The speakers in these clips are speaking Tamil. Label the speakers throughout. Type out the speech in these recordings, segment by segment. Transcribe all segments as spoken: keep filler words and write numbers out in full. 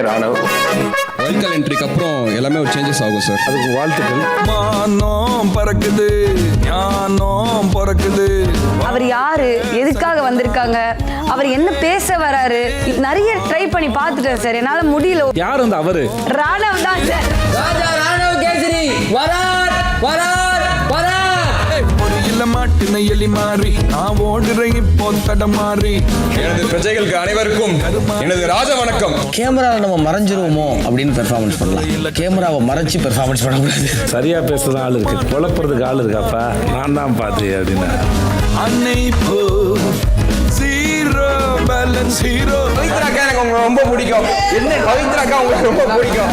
Speaker 1: ராணவ்.
Speaker 2: வைல்ட் என்ட்ரிக்கு அப்புறம் எல்லாமே ஒரு சேஞ்சஸ் ஆகும் சார்.
Speaker 1: அதுக்கு வாழ்த்துக்கள்.
Speaker 3: மானம் பறக்குது, ஞானம் பறக்குது.
Speaker 4: அவர் யாரு, எதுக்காக வந்திருக்காங்க, அவர் என்ன பேச வராரு, நிறைய ட்ரை பண்ணி பார்த்துட்டேன் சார். என்னால முடியல.
Speaker 1: யார் அந்த அவரு?
Speaker 4: ராணவ் தான் சார்.
Speaker 5: ராஜா ராணவ் கேசரி வரார் வரார் வரார்.
Speaker 3: ஒரு இல்ல மாட்டின எலி மாறி நான் ஓடுறேன் இப்போ தடமாறி.
Speaker 2: எனது பிரஜைகளுக்கு அனைவருக்கும் எனது ராஜ வணக்கம்.
Speaker 6: கேமராவை நம்ம மறைஞ்சிருவோமோ அப்படின்னு பெர்ஃபார்மன்ஸ் பண்ணலாம். கேமராவை மறைச்சு பெர்ஃபார்மன்ஸ் பண்ணக்கூடாது.
Speaker 1: சரியா பேசுறது ஆள் இருக்கு, குழப்பறதுக்கு ஆள் இருக்காப்பா. நான் தான் பார்த்து அப்படின்னு
Speaker 3: அன்னை போ ஜீரோ பேலன்ஸ் ஹீரோ.
Speaker 2: பவித்ராக்கா எனக்கு உங்களுக்கு ரொம்ப பிடிக்கும். என்ன பவித்ராக்கா உங்களுக்கு ரொம்ப பிடிக்கும்?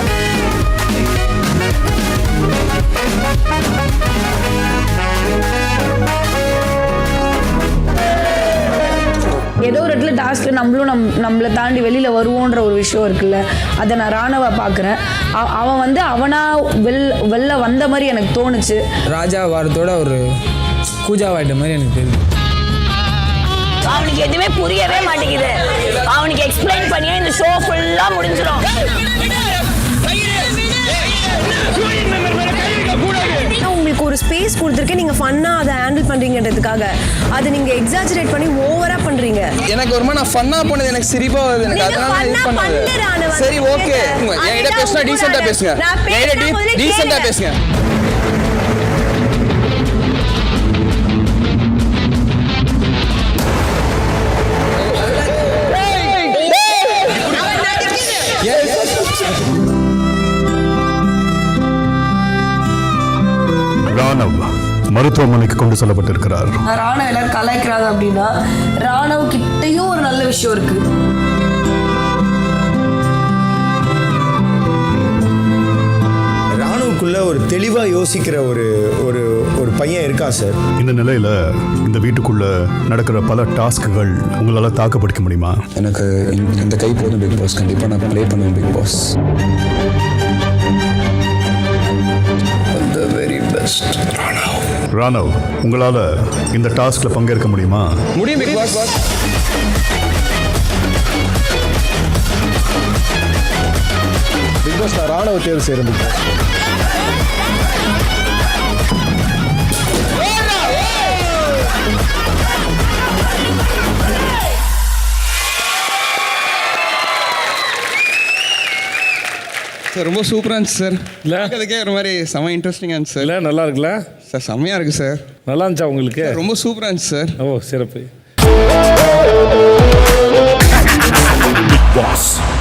Speaker 4: ஏதோ ஒரு இடத்துல டாஸ்க்ல நம்மளும் நம் நம்மளை தாண்டி வெளியில வருவோன்ற ஒரு விஷயம் இருக்குல்ல, அதை நான் ராணவா பார்க்குறேன். அவன் வந்து அவனா வெள் வெளில வந்த மாதிரி எனக்கு தோணுச்சு.
Speaker 5: ராஜா வாரத்தோட ஒரு கூஜாவாயிட்ட மாதிரி எனக்கு தெரியுது.
Speaker 7: அவனுக்கு எதுவுமே புரியவே மாட்டேங்குது. அவனுக்கு எக்ஸ்பிளைன் பண்ணியா இந்த ஷோ ஃபுல்லா முடிஞ்சிடும்.
Speaker 8: உங்களுக்கு ஒரு ஸ்பேஸ் கொடுத்துருக்கேன், நீங்க ஃபன்னா அதை ஹேண்டில் பண்றீங்கன்றதுக்காக அதை நீங்க எக்ஸாஜரேட் பண்ணி ஓவரா பண்றீங்க.
Speaker 5: எனக்கு ஒரு மாதிரி நான் ஃபன்னா பண்ணது எனக்கு சிரிப்பா வருது. எனக்கு அதனால இது பண்ணது. சரி ஓகே, என்கிட்ட பேசினா டீசெண்டா பேசுங்க. என்கிட்ட டீசெண்டா பேசுங்க.
Speaker 9: ராணவ் மருத்துவமனைக்கு கொண்டு செல்லப்பட்டிருக்கிறார்.
Speaker 4: ராணவ் எல்லாரும் கலாய்க்கிறாங்க அப்படின்னா ராணவ் கிட்டையும் ஒரு நல்ல விஷயம் இருக்கு.
Speaker 10: ராணுவுக்குள்ள ஒரு தெளிவா யோசிக்கிற ஒரு ஒரு ஒரு பையன் இருக்கா சார்.
Speaker 9: இந்த நிலையில இந்த வீட்டுக்குள்ள நடக்கிற பல டாஸ்க்குகள் உங்களால தாக்குப்பிடிக்க முடியுமா?
Speaker 2: எனக்கு இந்த கை போதும் பிக் பாஸ். கண்டிப்பா நான் ப்ளே பண்ணுவேன் பிக் பாஸ்.
Speaker 9: ராணவ், உங்களால இந்த டாஸ்க்ல பங்கேற்க முடியுமா?
Speaker 2: முடியும் பிக் பாஸ்.
Speaker 10: பிக் பாஸ் ராணுவ தேர்வு செய்யறது.
Speaker 2: சார் ரொம்ப சூப்பராக இருந்துச்சு சார். இல்லை அதுக்கே ஒரு மாதிரி செம இன்ட்ரெஸ்டிங்காக இருந்துச்சு சார்.
Speaker 1: இல்லை நல்லா இருக்குல்ல
Speaker 2: சார்? செம்மையாக இருக்குது சார்.
Speaker 1: நல்லா இருந்துச்சா உங்களுக்கு?
Speaker 2: ரொம்ப சூப்பராக இருந்துச்சு சார்.
Speaker 1: ஓ சிறப்பு.
Speaker 9: பாஸ்